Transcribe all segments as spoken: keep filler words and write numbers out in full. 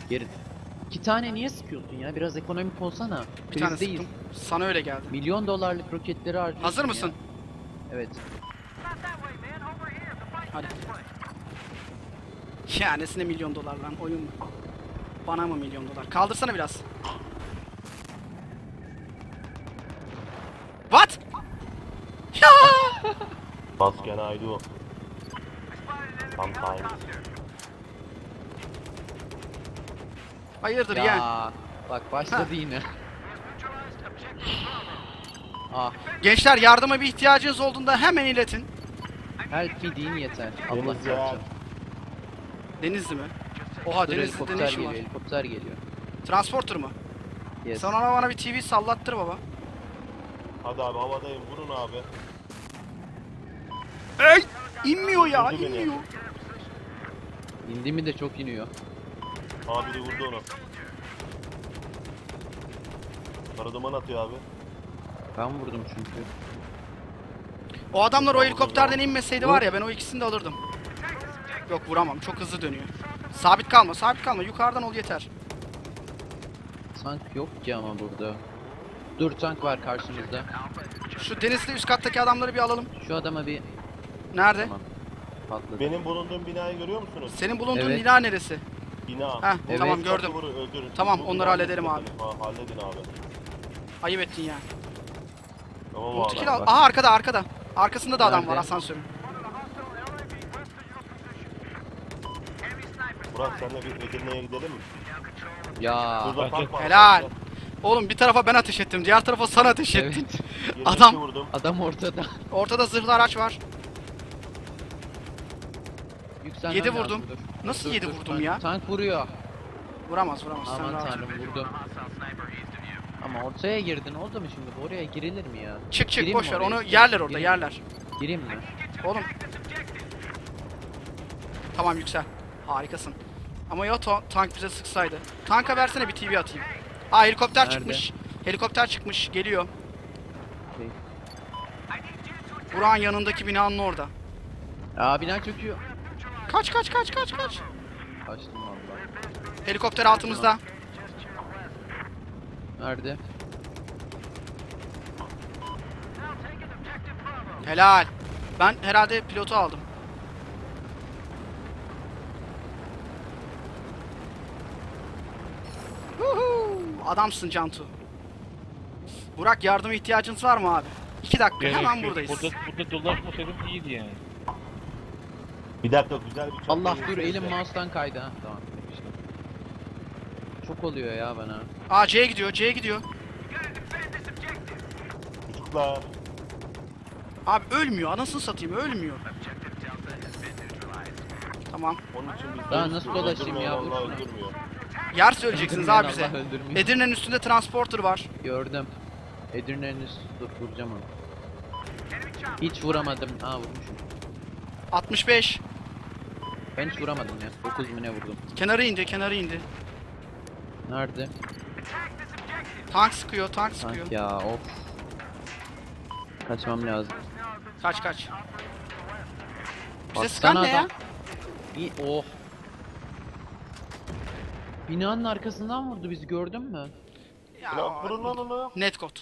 Geri. İki tane niye sıkıyorsun ya? Biraz ekonomik olsana. Bir tane Krizdeyiz. sıktım. Sana öyle geldi. Milyon dolarlık roketleri harcıyorsun. Hazır mısın? Ya. Evet. Hadi. Ya nesine milyon dolar lan, oyun mu? Bana mı milyon dolar? Kaldırsana biraz. What? Ya! What can I do? Sometimes. Hayırdır Ya ya? bak başladı yine. Ah, Gençler, yardıma bir ihtiyacınız olduğunda hemen iletin. help me deyin yeter. Allah Deniz ya. çarpsın. Denizli mi? Oha, Dur, Denizli'de helikopter ne işin geliyor, var? helikopter geliyor. Transporter mı? Yes. Sen ona bana bir T V sallattır baba. Hadi abi havadayım vurun abi. Ey! İnmiyor ya, Vurdu beni. inmiyor. İndi mi de çok iniyor. Abi de vurdu onu. Kara duman atıyor abi. Ben vurdum çünkü. O adamlar o Tamam, helikopterden tamam. inmeseydi var ya, ben o ikisini de alırdım. Yok, vuramam, çok hızlı dönüyor. Sabit kalma, sabit kalma, yukarıdan ol yeter. Tank yok ki ama burada. Dur, tank var karşımızda. Şu Denizli üst kattaki adamları bir alalım. Şu adama bir... Nerede? Tamam. Patladı. Benim bulunduğum binayı görüyor musunuz? Senin bulunduğun Evet. bina neresi? Bina. Heh, Evet. tamam gördüm. Vuru, öldürün. Tamam, Bu onları binayı halledelim abi. Ha, halledin abi. Ayıp ettin ya. Tamam abi. Multikil bak, al. bak. Aha, arkada arkada. Arkasında da adam var, Nerede? asansörün. Murat senle bir Edirne'ye gidelim mi? Ya. Burada tank var. Helal. Oğlum, bir tarafa ben ateş ettim, diğer tarafa sen ateş Evet. ettin. Yirmi Adam- iki vurdum. Adam ortada. Ortada zırhlı araç var. Yükselmem Yedi lazım, vurdum. dur. Nasıl Dur, yedi dur, vurdum tank- ya? Tank vuruyor. Vuramaz vuramaz, sen Aman rahat ol. tanrım, vurdum. Ama ortaya girdin, oldu mu şimdi? Oraya girilir mi ya? Çık çık, Gireyim boş mi ver, oraya? onu yerler orada, Gireyim mi? yerler. Gireyim mi? Oğlum. Tamam, yüksel. Harikasın. Ama ya ta- tank bize sıksaydı. Tanka versene, bir T V atayım. Aa, helikopter Nerede? çıkmış. Helikopter çıkmış, geliyor. Şey. Burak'ın yanındaki binanın orada. Aa, bina çöküyor. Kaç kaç kaç kaç kaç. Kaçtım vallahi. Helikopter altımızda. Nerede? Helal. Ben herhalde pilotu aldım. Huhu, adamsın Cantu. Burak, yardıma ihtiyacınız var mı abi? İki dakika, Gerek hemen yok. buradayız. Burada, burada dolaşmasaydım iyiydi yani. Bir dakika güzel bir çok Allah, iyi dur, bir elim şey. mouse'tan kaydı ha. Tamam. işte. Çok oluyor ya bana. Aa, C'ye gidiyor, C'ye gidiyor. Çocuklar. Abi ölmüyor, anasını satayım, ölmüyor. Tamam. Onun için biz Daha de- nasıl dolaşayım ya, Öldürmüyor, vursun. vallahi öldürmüyor. Yer söyleyeceksiniz Öldürmeyen abi bize. Allah öldürmüyor. Edirne'nin üstünde transporter var. Gördüm. Edirne'nin üstü, dur vuracağım onu. Hiç vuramadım. Aa, vurmuşum. altmış beş. Ben hiç vuramadım ya. dokuz bine vurdum. Kenarı indi, kenarı indi. Nerede? Tank sıkıyor, tank sıkıyor. Tank ya, of. Kaçmam lazım. Kaç kaç. Bize Baksana sıkan ne ya? adam. İyi, oh. Binanın arkasından vurdu bizi, gördün mü? Ya, Ya vurun lan onu. net kod.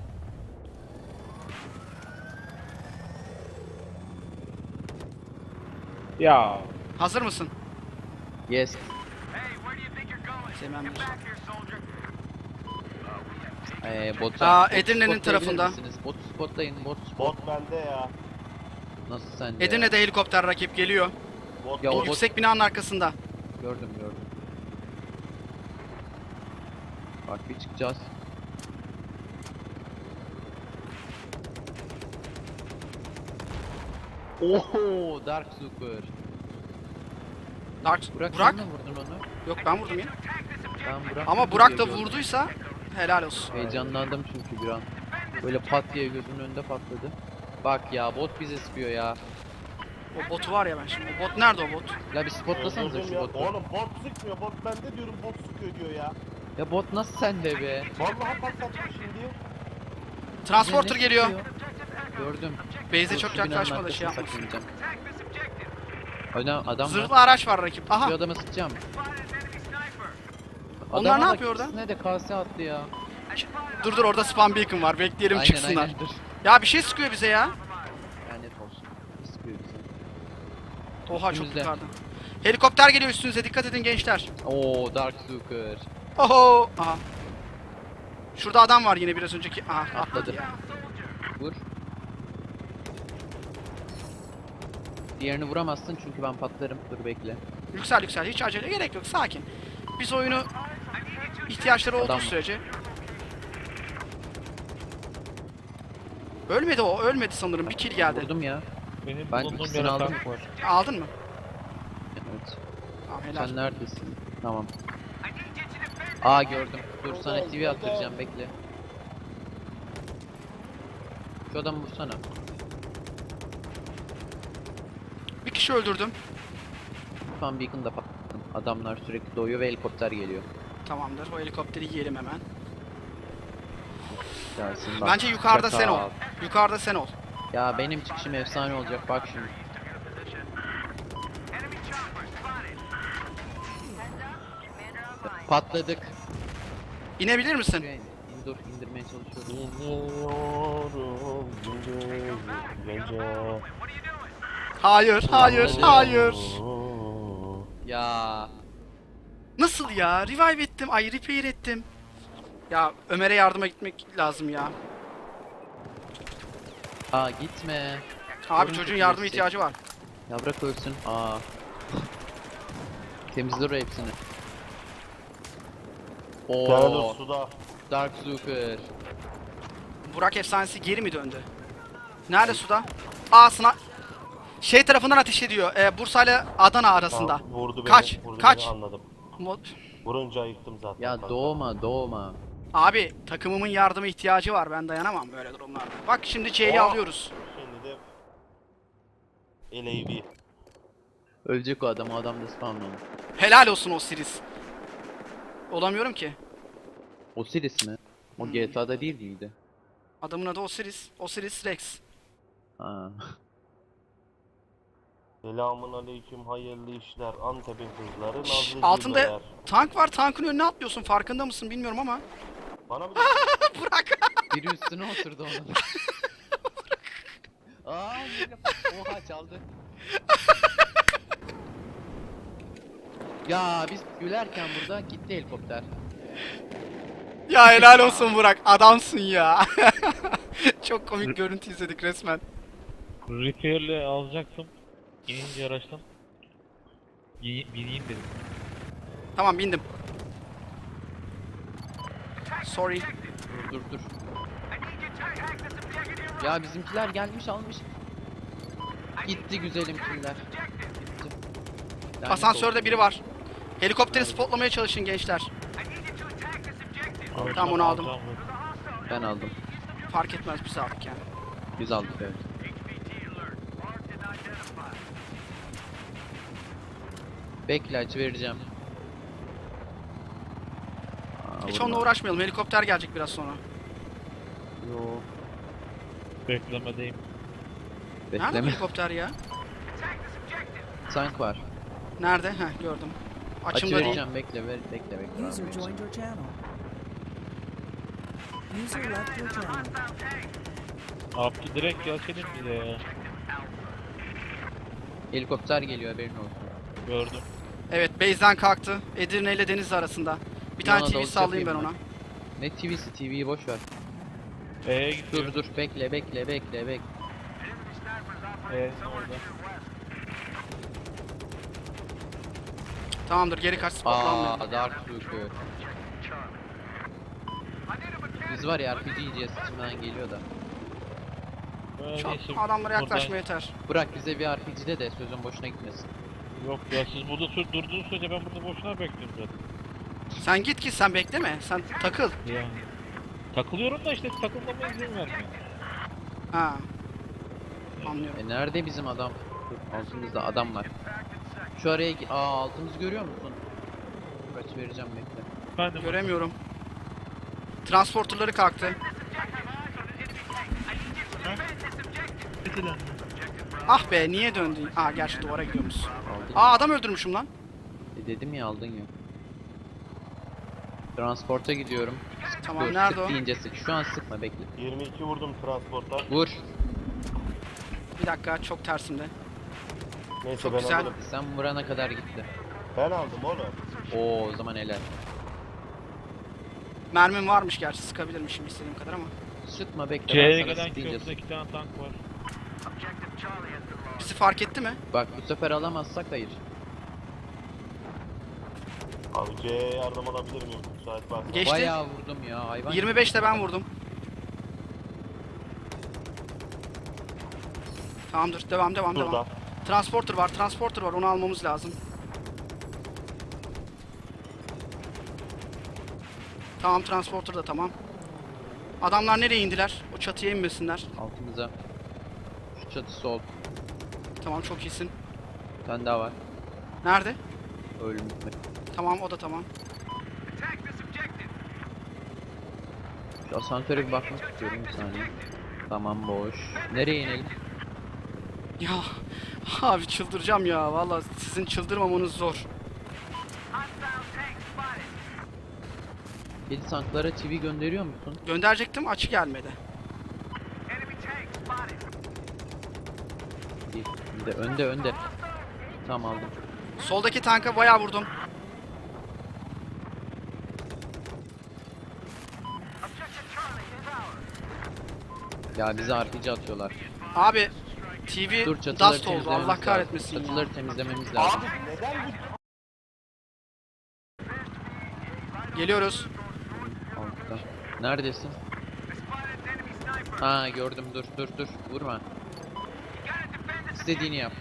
Ya. Hazır mısın? Yes. Sevmem bir. Ee, bot. Aa, bot Edirne'nin spotlayabilir tarafında. misiniz? Bot spotlayın, bot spot. Bot bende ya. Nasıl sende? Edirne'de helikopter rakip geliyor. Bot Ya o O bot- yüksek binanın arkasında. Gördüm, gördüm. Bak, bir çıkacağız. Oho, Dark Super. Dark, Burak, Burak? sen mi vurdun onu? Yok, ben vurdum ya. Ben Burak Ama vurdu Burak diye da gördüm. vurduysa helal olsun. Heyecanlandım çünkü bir an. Böyle pat diye gözümün önünde patladı. Bak ya, bot bize sıkıyor ya. O botu var ya ben şimdi. O bot nerede o bot? La bir spotlasanıza Öldürdüm şu ya. botu. Oğlum bot sıkmıyor. Bot bende diyorum bot sıkıyor diyor ya. Ya bot nasıl sende be? Vallahi patlattım şimdi. Transporter Bize ne geliyor. sıkıyor? Gördüm. Base'e Dur, çok şu binanın yaklaşma da şey arkasına yapmasın. saklanacağım. Adam, adam Zırhlı var. araç var rakip. Aha. Şu adama sıkacağım. Onlar Adama ne bak, yapıyor orada? ikisine de kase attı ya. Dur dur, orada spam beacon var. Bekleyelim Aynen çıksınlar. aynen dur. Ya bir şey sıkıyor bize ya. Lanet olsun. İstiyor bizi. Oha, çok Üstümüzde. yukarıda. Helikopter geliyor üstünüze, dikkat edin gençler. Oo Dark Zucker. Oho. Aha. Şurada adam var yine biraz önceki. Aha, atladı Atladı. ya. Vur. Diğerini vuramazsın çünkü ben patlarım. Dur bekle. Yüksel yüksel, hiç acele gerek yok, sakin. Biz oyunu ihtiyaçları olduğu Adam mı? sürece. Ölmedi o, ölmedi sanırım. Bir kill geldi. Vurdum ya. Benim Ben bulunduğum ikisini yere aldım. tank var. Aldın mı? Evet. Tamam, helal. Sen neredesin? Tamam. Aa gördüm. Dur sana T V attıracağım bekle. Şu adamı vursana. Bir kişi öldürdüm. Fan Beacon'da patladım. Adamlar sürekli doğuyor ve helikopter geliyor. Tamamdır, o helikopteri yiyelim hemen. Gelsin bak. Bence yukarıda sen ol. Çakal. Yukarıda sen ol. Ya benim çıkışım efsane olacak bak şimdi. Patladık. İnebilir misin? Şuraya in- in- Dur indirmeye çalışıyorum. İniyorum gece gece. Hayır, hayır, hayır. Ya Nasıl ya? Revive ettim, ay repair ettim. Ya Ömer'e yardıma gitmek lazım ya. aa gitme. Abi Sorun çocuğun yok, yardıma neyse. ihtiyacı var. Ya bırak ölsün. Aa. Temizler o hepsini. Gel Oo. suda. Dark Zucker. Burak efsanesi geri mi döndü? Nerede suda? Aa, sına... Şey tarafından ateş ediyor. E, Bursa ile Adana arasında. Tamam, vurdu beni. Kaç, Vurdu kaç. Beni, anladım. Mo- Vurunca yıktım zaten. Ya kanka. doğma doğma. Abi takımımın yardıma ihtiyacı var. Ben dayanamam böyle durumlarda. Bak şimdi C'yi Aa. alıyoruz. Şimdi de L A V. Ölecek o adam, o adam da spawnlanır. Helal olsun Osiris. Olamıyorum ki. Osiris mi? O G T A'da değil miydi? Adamın adı Osiris. Osiris Rex. Ha. Selamun aleyküm, hayırlı işler. Antep'in kızları nazlı Altında cüceler. tank var. Tankın önüne atlıyorsun. Farkında mısın bilmiyorum ama. Bana bir Bırak. Biri üstüne oturdu onun. Aa, yine- oha çaldı. Ya biz gülerken burada gitti helikopter. Ya helal olsun Burak. Adamsın ya. Çok komik görüntü izledik resmen. Repair'le alacaktım. İnince araçtan. Yi- Bineyim dedim. Tamam, bindim. Sorry. Dur dur dur. Ya bizimkiler gelmiş almış. Gitti güzelim killer. Gitti. Lanet Asansörde olsun. biri var. Helikopteri spotlamaya çalışın gençler. Tamam, onu aldım. Alacağım bu. Ben aldım. Fark etmez, biz aldık yani. Biz aldık evet. Bekle açı vereceğim. Aa, Hiç vurma. onunla uğraşmayalım. Helikopter gelecek biraz sonra. Yo. Beklemedeyim. Nerede bu Bekleme. helikopter ya? Tank var. Nerede? Heh, gördüm. Açı Açımda değil. vereceğim bekle ver, bekle bekle. User abi. joined your channel. User left your channel. Abi direkt gelsene bize ya. Helikopter geliyor haberin olsun. Gördüm. Evet, base'den kalktı. Edirne ile Denizli arasında. Bir tane Yana T V doğru sallayayım ben yapayım ona. Ne T V'si, T V'yi boş ver. E'ye gidiyor. Dur dur bekle bekle bekle bekle. E orada. Tamamdır, geri kaç, spotlanmayalım. Aa Dark Zucker. Biz var ya R P G yiyeceğiz, içimden geliyor da. Böyle Çok neyse, adamlara buradan- yaklaşma yeter. Bırak bize bir R P G'de de sözün boşuna gitmesin. Yok ya, siz burada sür durduğunuz sürece ben burada boşuna bekliyorum zaten. Sen git git, sen bekleme. Sen takıl. Yani. Takılıyorum da işte takılmama izin vermiyor. Ha. Anlıyorum. E nerede bizim adam? Dur, altımızda adam var. Şu araya gi- Aa altımızı görüyor musun? Kaç vereceğim bekle. Ben de Göremiyorum. Transporterları kalktı. Ah be, niye döndün? Aa, gerçi duvara gidiyormuş. Aldın. Aa, adam öldürmüşüm lan. E dedim ya aldın ya. Transporta gidiyorum. Tamam, Dur, nerede sık o? deyince sık. Şu an sıkma, bekle. yirmi iki vurdum transporta. Vur. Bir dakika, çok tersimde. Neyse Çok ben güzel. alırım. Sen vurana kadar gitti. Ben aldım oğlum. Oo, o zaman helal. Mermim varmış gerçi, sıkabilirmişim istediğim kadar ama. Sıkma, bekle. C'ye ben sana gelen sık deyince köprüde sık. iki tane tank var. Bizi fark etti mi? Bak bu sefer alamazsak hayır. Abi C'ye yardım alabilir miyim? Müsait varsa. Geçti. Bayağı vurdum ya hayvan. yirmi beşte ben vurdum. Tamamdır, devam devam Şurada. devam. Transporter var, transporter var, onu almamız lazım. Tamam, transporter da tamam. Adamlar nereye indiler? O çatıya inmesinler. Altımıza. Şu çatı sol. Tamam, çok iyisin. Bir tane daha var. Nerede? Ölüm. Tamam, o da tamam. Şu asansöre bir bakmak istiyorum bir saniye. Tamam, boş. Nereye inelim? Ya abi çıldıracağım ya. Vallahi sizin çıldırmamanız zor. Kedi tanklara T V gönderiyor musun? Gönderecektim, açı gelmedi. Bir, bir de önde önde. Tamam, aldım. Soldaki tanka bayağı vurdum. Ya bize R P G atıyorlar. Abi T V Dur, çatıları dust oldu. temizlememiz Allah lazım. kahretmesin ya. Çatıları temizlememiz lazım. Abi neden bu... Geliyoruz. Altta. Neredesin? Ha, gördüm, dur dur dur. Vurma. İstediğini yap.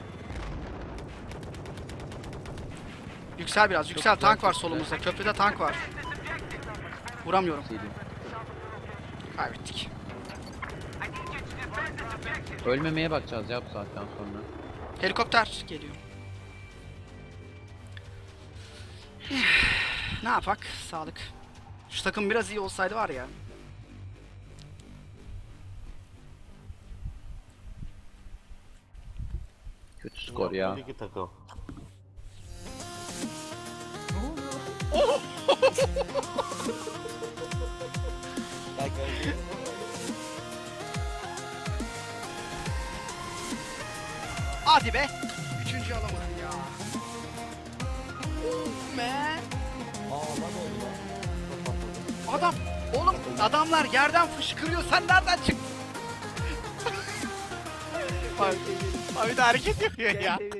Yüksel biraz. Yüksel, güzel, tank var çok güzel. solumuzda. Köprüde tank var. Vuramıyorum. İstediğin. Kaybettik. Ölmemeye bakacağız ya bu saatten sonra. Helikopter geliyor. Ne yapak? Sağlık. Şu takım biraz iyi olsaydı var ya. Kötü skor ya. İki takım. Hadi be. Üçüncü alamadım ya. Oh man. Adam. Oğlum adamlar yerden fışkırıyor. Sen nereden çıktın? Abi, abi de hareket yapıyor ya.